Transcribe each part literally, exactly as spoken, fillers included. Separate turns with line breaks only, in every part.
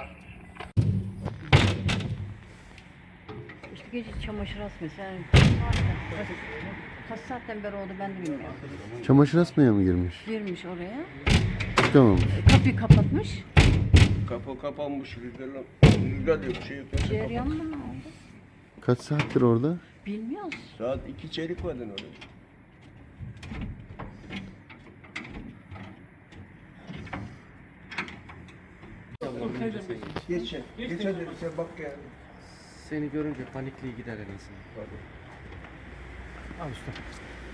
İşte gece çamaşır asmıyor. Sen kaç, kaç saatten beri oldu ben de bilmiyorum.
Çamaşır asmaya mı girmiş?
Girmiş oraya.
Çıkamamış.
Kapıyı kapatmış.
Kapı kapanmış, rüzgarla, rüzgar yok, şey yok.
Cereyan mı ne oldu?
Kaç saattir orada?
Bilmiyoruz.
Saat iki çeyrek vardı orada. Geç, geç hadi sen bak yani.
Seni görünce panikliği gider en azından.
Al usta.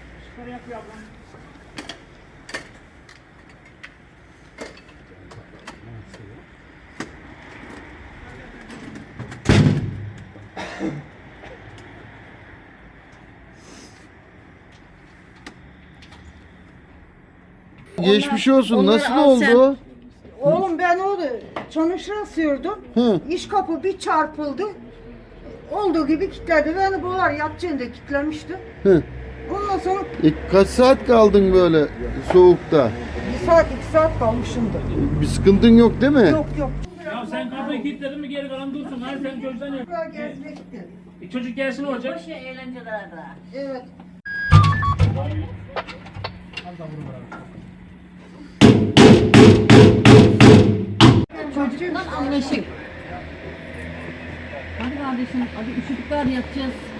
Geçmiş olsun.
onları
Nasıl
al
oldu?
sen.
Oğlum ben orada çamaşır asıyordum.
Hı.
İş kapı bir çarpıldı. Olduğu gibi kilitledi. Beni boğar yatacağında kilitlemişti.
Hı.
Ondan sonra
E, kaç saat kaldın böyle soğukta?
bir saat iki saat kalmışımdır.
Bir sıkıntın yok değil mi?
Yok yok.
Ya sen kapıyı kilitledin mi geri kalan dursun. Hayır sen çocuktan yap.
Buraya gezmekti.
E, çocuk gelsin ne olacak?
Boş eğlenceler daha.
Evet.
Çocukla anlaşın. Hadi kardeşim, hadi üşüdük var yatacağız.